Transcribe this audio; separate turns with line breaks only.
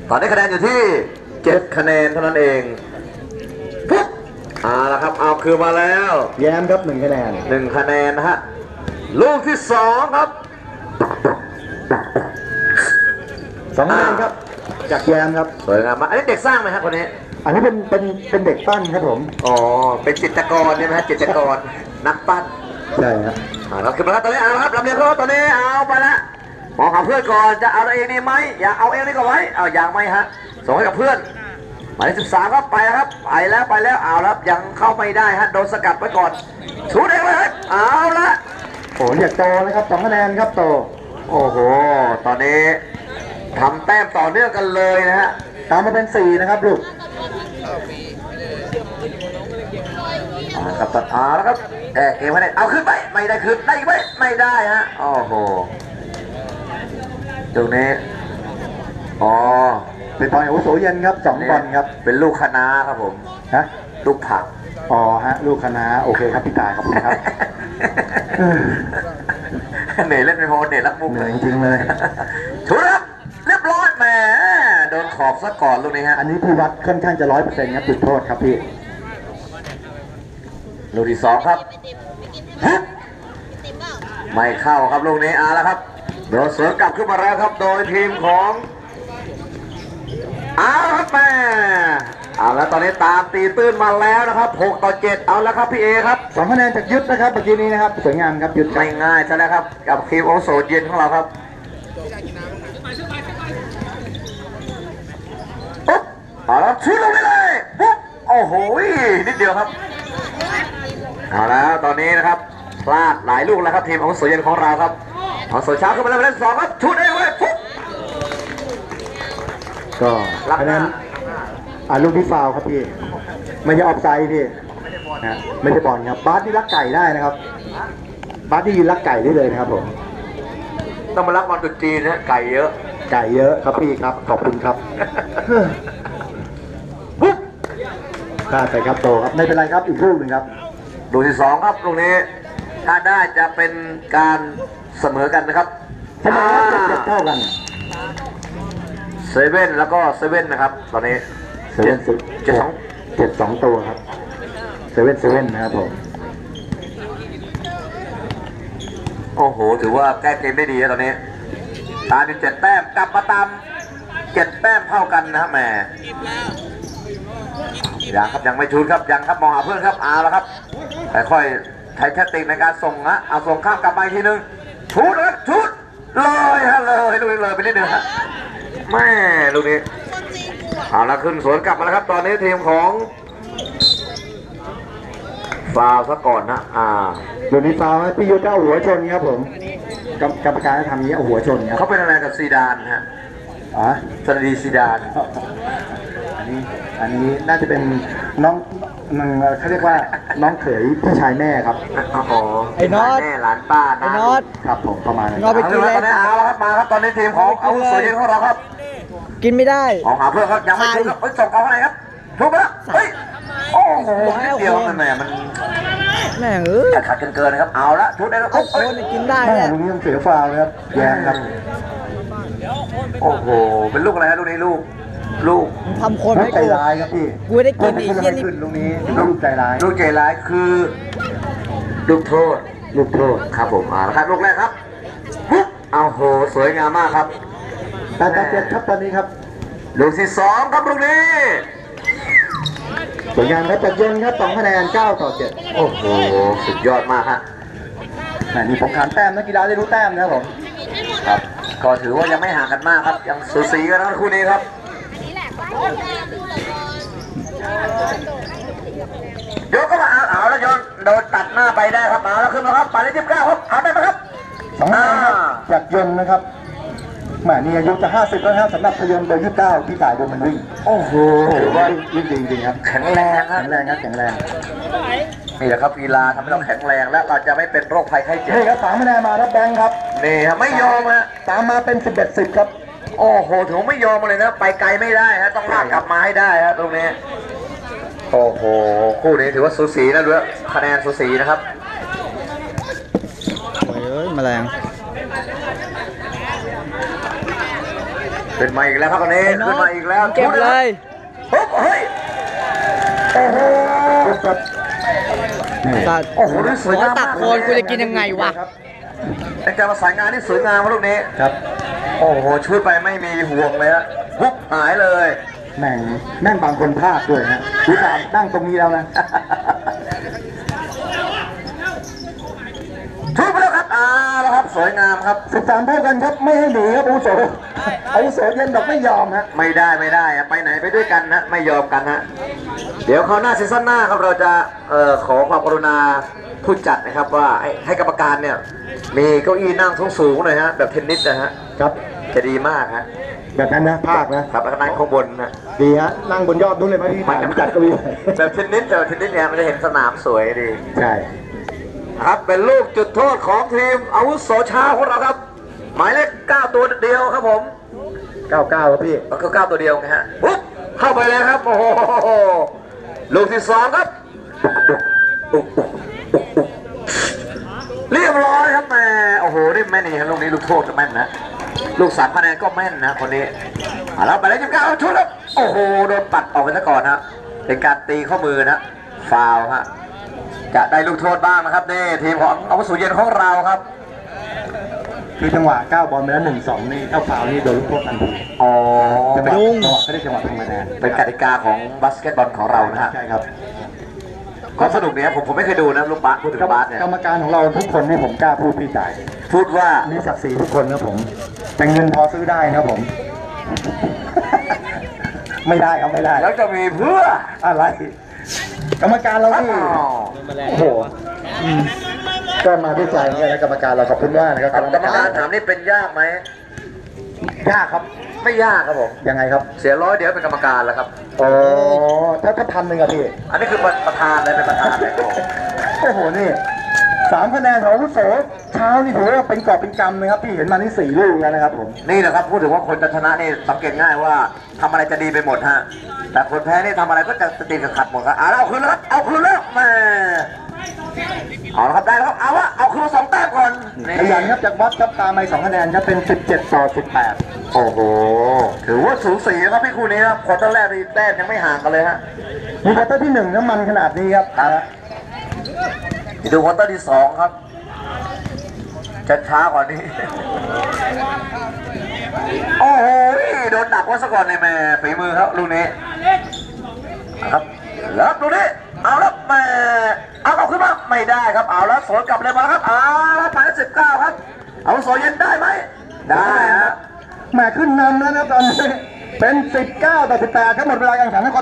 ตอนนี้คะแนนอยู่ที่7คะแนนเท่านั้นเองปุ๊บละครับเอาคือมาแล้ว
แย้มครับ1 คะแนน
1 คะแนนนะฮะลูกที่2ครับ
2 คะแนนครับจากแย้มครับ
สวยงามมากอันนี้เด็กสร้างไหมครับคนนี้
อันนี้เป็นเด็กปั้นครับผม
อ๋อเป็นจิตรกรใช่ไหมฮะจิตรกรนักปั้น
ใช่ครับ
เราขึ้นมาแล้วตอนนี้เอาครับลำเลียงเขาตอนนี้เอาไปละมองหาเพื่อนก่อนจะเอาเองดีไหมอยากเอาเองนี่ก็ไว้เอาอย่างไหมฮะส่งให้กับเพื่อนหมายเลข13ครับไปแล้วครับไปแล้วเอาแล้วยังเข้าไม่ได้ฮะโดนสกัดไว้ก่อนชูเองเลยครับเอาละ
โอ้อยากโตนะครับ2 คะแนนครับโต
โอ้โหตอนนี้ทำแต้มต่อเนื่องกันเลยนะฮะ
ตามมาเป็น4นะครับลูก
กับตัดแล้วครับเกมไม่ได้เอาขึ้นไปไม่ได้ขึ้นได้ไหมไม่ได้ฮะโอ้โหตรงนี้
เป็นบอลอาวุโสเย็นครับ2 บอลครับ
เป็นลูกคณะครับผม
ฮะ
ลูกผัก
ฮะลูกคณะโอเคครับพี่ตายขอบคุณครับ
เหนื่อยเล่นไม่พอเหนื่อยรักมุกเลย
จริงเลย
ถูกครับเรียบร้อยแหมโดนขอบซะก่อนลูกนี้ฮะ
อันนี้พี่วัดค่อนข้างจะ100%ครับจุดโทษครับพี่
ลูกที่2ครับไม่เข้าครับลูกนี้แล้วครับโดนสวนกลับขึ้นมาแล้วครับโดยทีมของครับแม่แล้วตอนนี้ตามตีตื้นมาแล้วนะครับ6-7เอาแล้วครับพี่เอครับ
2 คะแนนจากยุทธนะครับเมื่อกี้นี้นะครับสวยงามครับยุทธ
ไม่ง่ายใช่แล้วครับกับทีมโอโซเย็นของเราครับปุ๊บแล้วชุดลงไปเลยปุ๊บโอ้โหนิดเดียวครับเอาแล้วตอนนี้นะครับพลาดหลายลูกแล้วครับทีมโอโซเย็นของเราครับโอโซเช้าขึ้นมาแล้วเล่น2ครับชุดเองเลยปุ๊บ
ก็คะแนนลูกที่ฟาวครับพี่ไม่ใช่ออฟไซด์พี่นะไม่ใช่บอลครับบาสที่รักไก่ได้นะครับบาสที่ยืนรักไก่ได้เลยนะครับผม
ต้องมารักบอลตุจีนนะไก่เยอะ
ครับพี่ครับขอบคุณครับปุ๊บพลาดไปครับโตครับไม่เป็นไรครับอีกลูกหนึ่งครับ
ลูกที่2ครับลูกนี้ถ้าได้จะเป็นการเสมอกันนะครับ
ทำไมจะเท่ากัน
เซเว่นแล้วก็เซเว่นนะครับตอนนี้
7-2ตัวครับเซเว่นนะครับผม
โอ้โหถือว่าแก้เกมได้ดีตอนนี้ตามเป็น7 แต้มกลับมาตาม7 แต้มเท่ากันนะครับแหมยังครับยังไม่ชุดครับยังครับมองหาเพื่อนครับแล้วครับค่อยๆใช้แท็กติกในการส่งนะเอาส่งข้ามกลับไปทีนึงชุดครับชุดเลยฮะเลยลูกนี้เลยไปนิดนึงฮะแม่ลูกนี้แล้วขึ้นสวนกลับมาแล้วครับตอนนี้ทีมของฟาวซะก่อนนะ
เดี๋ยวนี้ฟาวพี่ยุทธเอาหัวชนครับผมกรรมการทำนี้เอาหัวชนครับ
เขาเป็นอะไรกับซีดานฮะซาดีซีดาน
อันนี้น่าจะเป็นน้องเขาเรียกว่าน้องเขยพี่ชายแม่ครับ
ไอ้น็อต
แม่หลานป้า
ไอ้น็อต
ครับผมประมาณนั้น
น็อตไปกินเลย
ครับมาครับตอนนี้ทีมของอาวุโสเย็นของเราครับ
กินไม่ได้
หาเพื่อนครับยังไม่ถูกครับส่งเขาอะไรครับถูกไหมเฮ้ยโอ้โหนิดเดียวมันแหมมัน
แม่
ขัดเกินนะครับเอาละชุดได้แล้ว
โอ้โหกินได้
เนี่ยลูกนี้ต้องเสียฟาวเลยครับแย่ครับ
โอ้โหเป็นลูกอะไรฮะลูกนี้ลูก
ทำคนไม่
ใจร้ายครับพี่
กูได้กินอีกเช่นนี้
ลูกนี้ลูกใจร้าย
คือลูกโทษครับผมครับลูกแรกครับเอาโหสวยงามมากครับ
8-7ครับตอนนี้ครับ
ลูกที่2ครับลูกนี้
สวยงามครับจากยนครับ2 คะแนน9-7
โอ้โหสุดยอดมากฮะ
นี่ผมขานแต้มนักกีฬาได้รู้แต้มนะครับผม
ครับก็ถือว่ายังไม่ห่างกันมากครับยังสูสีกันนะคู่นี้ครับยกก็มาเอาแล้วโยนโดนตัดหน้าไปได้ครับมาแล้วขึ้นมาครับไปที่29ครับเอาได้ไหมครับ
2 คะแนนจากยนนะครับนี่อายุจะ50แล้วครับสำหรับพยนต์เบอร์29พี่สายโดนมันวิ่ง
โอ้โห
ถือว่าวิ่งจริงครับ
แข็งแรงครับ
นี่แ
หละครับกีฬาทำให้เราแข็งแรงและเราจะไม่เป็นโรคภัยไข้เจ็บ
นี่ครับ3 คะแนนมาแล้วแบงค์ครับ
นี่ครับไม่ยอมฮะ
ตามมาเป็น11-10ครับ
โอ้โหถือไม่ยอมเลยนะไปไกลไม่ได้ฮะต้องลากกลับมาให้ได้ฮะตรงนี้โอ้โหคู่นี้ถือว่าสูสีนะด้วยคะแนนสูสีนะครับ
โอ้ยแมลง
ขึ้นมาอีกแล้วครับตอนนี้ขึ้นมาอีกแล้ว
เก็บเลย
ปุ๊บเฮ้ยโอ้โห
สัตว์
โอ้โหนี่สวยงาม
ตักโคนกูจะกินยังไงวะ
เป็นการประสานงานที่สวยงามครับลูกนี้
ครับ
โอ้โหชุดไปไม่มีห่วงเลยฮะปุ๊บหายเลย
แม่งบางคนพลาดด้วยฮะดูสามนั่งตรงนี้แล้วนะ
ชุดไปแล้วครับแล้วครับสวยงามครับ
13เท่ากันครับไม่ให้หนีครับอาวุโสอาวุโสเย็นดอกไม่ยอมฮะ
ไม่ได้อะไปไหนไปด้วยกันนะไม่ยอมกันฮะเดี๋ยวคราวหน้าซีซั่นหน้าครับเราจะขอความกรุณาผู้จัดนะครับว่าให้กรรมการเนี่ยมีเก้าอี้นั่งสูงๆหน่อยฮะแบบเทนนิสนะฮะ
ครับ
จะดีมากฮะ
แบบนั้นนะภาคนะครับ
แล้วก็นั่งข้างบนนะ
ดีฮะนั่งบนยอดนู้นเลยไหมพี่ถ่ายจัดก็มี
แบบเทนนิสเนี่ยมันจะเห็นสนามสวยดี
ใช่
ครับเป็นลูกจุดโทษของทีมอาวุโสชาของเราครับ หมายเลข9ตัวเดียวครับผม
99ครับพี่
แล้วก็9ตัวเดียวไงฮะปุ๊บเข้าไปแล้วครับโอ้โหลูกที่2ครับเรียบร้อยครับแม่โอ้โหนี่แม่นี่ครับลูกนี้ลูกโทษก็แม่นนะลูก3คะแนนก็แม่นนะคนนี้แล้วไปเลย29ชุดแล้วโอ้โหโดนปัดออกไปซะก่อนฮะเป็นการตีข้อมือนะฟาวล์ฮะจะได้ลูกโทษบ้างนะครับนี่ทีมของอาวุโสเย็นของเราครับ
คือจังหวะก้าวบอลไปแล้ว1-2นี่เข้าฟาวล์นี่โดนลูกโทษทันที
อ๋อ
จังหวะ
ยุ่ง
ไม่ได้จังหวะทำคะแนน
เป็นกติกาของบาสเกตบอลของเรานะฮะ
ใช่ครับ
ก็สนุกเนี่ยผมไม่เคยดูนะลูกบาสพูดถึงบาสเนี่ย
กรรมการของเราทุกคนนี่ผมกล้าพูดพี่จ่าย
พูดว่า
มีศักดิ์ศรีทุกคนนะผมแต่เงินพอซื้อได้นะผม ไม่ได้ครับไม่ได้
แล้วจะมีเพื่อ
อะไร กรรมการเราที่
อ้าว
โอ้โหก็มาด้วยใจเหมือนกันนะกรรมการเราขอบคุณมากนะครับ
กรรมการถามนี่เป็นยากไหม
ยากครับ
ไม่ยากครับผม
ยังไงครับ
เสีย100เดี๋ยวเป็นกรรมการแล้วครับ
อ๋อถ้า1,000อะพี่
อันนี้คือประธานเลยเป็นประธานเลยครับผม
โอ้โหนี่3คะแนนของอาวุโสเช้านี่ถือว่าเป็นกอบเป็นกำนะครับพี่เห็นมานี่4ลูกแล้วนะครับผม
นี่แหละครับพูดถึงว่าคนจะชนะนี่สังเกตง่ายว่าทำอะไรจะดีไปหมดฮะแต่คนแพ้นี่ทำอะไรก็จะตีกับขัดหมดครับแล้วเอาคืนแล้วครับเอาคืนแล้วแม่เอาละครับได้แล้วครับเอาคืน2 แต้มก่อนนี่
ขยันครับจากวัดครับตามไป2คะแนนครับเป็น17-18
โอ้โหถือว่าสูสีครับพี่คู่นี้ครับควอเตอร์แรกนี่แต้มยังไม่ห่างกันเลยฮะ
มีควอเตอร์ที่1น้ำมันขนาดนี้ครับ
ดูควอเตอร์ที่2ครับจะช้ากว่านี้ โอ้โหโดนหนักว่าซะก่อนในแม่ฝีมือครับลูกนี้ครับแล้วลูกนี้เอาแล้วแม่เอาขึ้นมาไม่ได้ครับเอาแล้วสวนกลับเลยมาครับเอาแล้วไปแล้ว19ครับเอาโซเย็นได้ไหมได้ฮะ
แหมขึ้นนำแล้วนะตอนนี้เป็น19-18ครับหมดเวลาการแข่งขัน